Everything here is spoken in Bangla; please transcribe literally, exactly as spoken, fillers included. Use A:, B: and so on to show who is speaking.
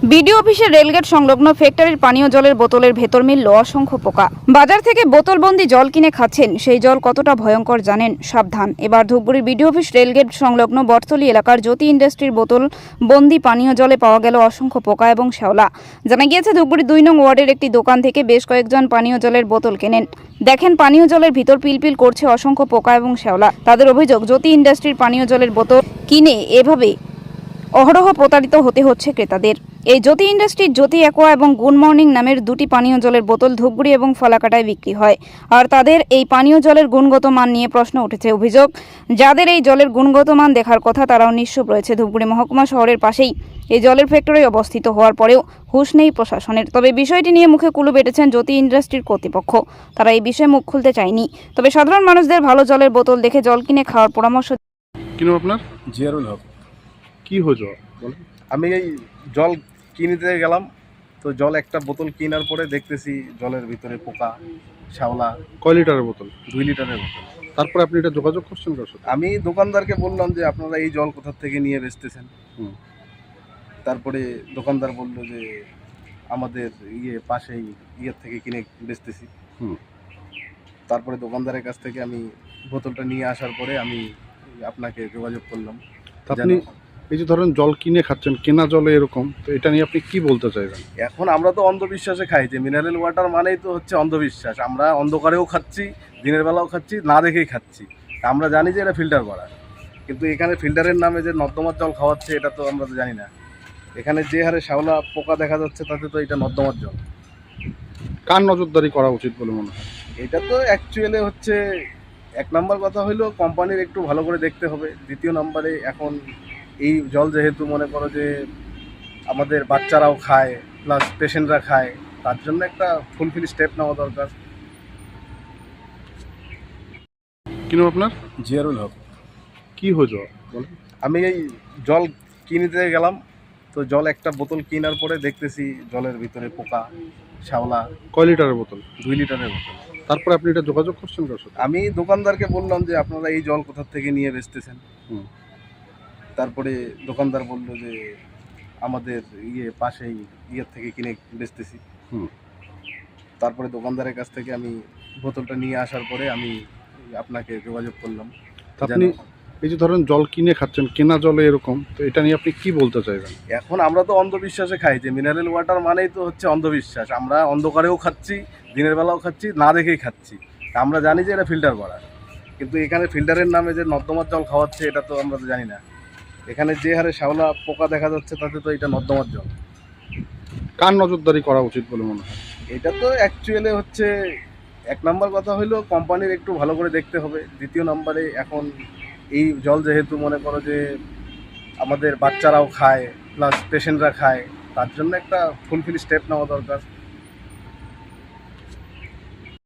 A: বিডিও অফিসের রেলগেট সংলগ্ন ফ্যাক্টরির পানীয় জলের বোতলের ভেতর মিলল অসংখ্য পোকা। বাজার থেকে বোতলবন্দি জল কিনে খাচ্ছেন, সেই জল কতটা ভয়ঙ্কর জানেন? সাবধান। এবার ধূপগুড়ির বিডিও অফিস রেলগেট সংলগ্ন বটতলী এলাকার জ্যোতি ইন্ডাস্ট্রির বোতল বন্দি পানীয় জলে পাওয়া গেল অসংখ্য পোকা এবং শ্যাওলা। জানা গিয়েছে, ধূপগুড়ি দুই নং ওয়ার্ডের একটি দোকান থেকে বেশ কয়েকজন পানীয় জলের বোতল কেনেন। দেখেন পানীয় জলের ভিতর পিলপিল করছে অসংখ্য পোকা এবং শ্যাওলা। তাদের অভিযোগ, জ্যোতি ইন্ডাস্ট্রির পানীয় জলের বোতল কিনে এভাবে অহরহ প্রতারিত হতে হচ্ছে ক্রেতাদের। এই জ্যোতি ইন্ডাস্ট্রির জ্যোতি অ্যাকোয়া এবং গুড মর্নিং নামের দুটি পানীয় জলের বোতল ধূপগুড়ি এবং ফলাকাটায় বিক্রি হয়। আর তাদের এই পানীয় জলের গুণগত মান নিয়ে প্রশ্ন উঠেছে। অভিযোগ, যাদের এই জলের গুণগত মান দেখার কথা তারাও নিশ্চুপ রয়েছে। ধূপগুড়ি মহকুমা শহরের পাশেই এই জলের ফ্যাক্টরি অবস্থিত হওয়ার পরেও হুঁশ নেই প্রশাসনের। তবে বিষয়টি নিয়ে মুখে কুলু বেটেছেন জ্যোতি ইন্ডাস্ট্রির কর্তৃপক্ষ। তারা এই বিষয়ে মুখ খুলতে চায়নি। তবে সাধারণ মানুষদের ভালো জলের বোতল দেখে জল কিনে খাওয়ার পরামর্শ।
B: কিনো আপনার
C: জিয়ারুল হক।
B: কি হয়েছে বলেন?
C: আমি এই জল কিনতে গেলাম, তো জল একটা বোতল কেনার পরে দেখতেছি জলের ভিতরে পোকা, শ্যাওলা।
B: কয় লিটারের বোতল?
C: দুই লিটারের বোতল।
B: তারপরে আপনি এটা যোগাযোগ করছেন কার সাথে?
C: আমি দোকানদারকে বললাম যে আপনারা এই জল কোথা থেকে নিয়ে বেচতেছেন।
B: হুম।
C: তারপরে দোকানদার বলল যে আমাদের ইয়ে পাশেই ইয়ের থেকে কিনে বেচতেছি।
B: হুম।
C: তারপরে দোকানদারের কাছ থেকে আমি বোতলটা নিয়ে আসার পরে আমি আপনাকে যোগাযোগ করলাম।
B: তা আপনি এই যে ধরেন জল কিনে খাচ্ছেন, কেনা জলে এরকম, তো এটা নিয়ে আপনি কি বলতে চাইবেন?
C: এখন আমরা তো অন্ধবিশ্বাসে খাই, যে মিনারেল ওয়াটার মানেই তো হচ্ছে অন্ধবিশ্বাস। আমরা অন্ধকারেও খাচ্ছি, দিনের বেলাও খাচ্ছি, না দেখেই খাচ্ছি। আমরা জানি যে এটা ফিল্টার করা, কিন্তু এখানে ফিল্টারের নামে যে নর্দমার জল খাওয়াচ্ছে এটা তো আমরা তো জানি না। এখানে যে হারে শ্যাওলা পোকা দেখা যাচ্ছে তাতে তো এটা নর্দমার জল।
B: কার নজরদারি করা উচিত বলে মনে হয়?
C: এটা তো অ্যাকচুয়ালি হচ্ছে এক নম্বর কথা হইলো কোম্পানির একটু ভালো করে দেখতে হবে। দ্বিতীয় নম্বরে এখন এই জল যেহেতু মনে করো যে আমাদের বাচ্চারাও খায়, প্লাস পেশেন্টরা খায়, তার জন্য একটা ফুলফিল স্টেপ নেওয়া দরকার।
B: কিনো আপনার
C: জিয়ারুল হক।
B: কি হয়েছে বলেন?
C: আমি এই জল কিনতে গেলাম, তো জল একটা বোতল কেনার পরে দেখতেছি জলের ভিতরে পোকা, শ্যাওলা।
B: কয় লিটারের বোতল?
C: দুই লিটারের বোতল।
B: তারপরে আপনি এটা যোগাযোগ করছেন কার সাথে?
C: আমি দোকানদারকে বললাম যে আপনারা এই জল কোথা থেকে নিয়ে বেচতেছেন।
B: হুম।
C: তারপরে দোকানদার বলল যে আমাদের ইয়ে পাশেই ইয়ের থেকে কিনে বেচতেছি।
B: হুম।
C: তারপরে দোকানদারের কাছ থেকে আমি বোতলটা নিয়ে আসার পরে আমি আপনাকে যোগাযোগ করলাম।
B: তা আপনি এই যে ধরেন জল কিনে খাচ্ছেন, কেনা জলে এরকম, তো এটা নিয়ে আপনি কি বলতে চাইবেন?
C: এখন আমরা তো অন্ধবিশ্বাসে খাই, যে মিনারেল ওয়াটার মানেই তো হচ্ছে অন্ধবিশ্বাস। আমরা অন্ধকারেও খাচ্ছি, দিনের বেলাও খাচ্ছি, না দেখেই খাচ্ছি। আমরা জানি যে এটা ফিল্টার করা, কিন্তু এখানে ফিল্টারের নামে যে নর্দমার জল খাওয়াচ্ছে এটা তো আমরা তো জানি না। এখানে যে হারে শ্যাওলা পোকা দেখা যাচ্ছে তাতে তো এটা নর্দমার জল।
B: কার নজরদারি করা উচিত বলে মনে হয়?
C: এটা তো অ্যাকচুয়ালি হচ্ছে এক নম্বর কথা হইলো কোম্পানির একটু ভালো করে দেখতে হবে। দ্বিতীয় নম্বরে এখন এই জল যেহেতু মনে করো যে আমাদের বাচ্চারাও খায়, প্লাস পেশেন্টরা খায়, তার জন্য একটা ফুলফিল স্টেপ নেওয়া দরকার।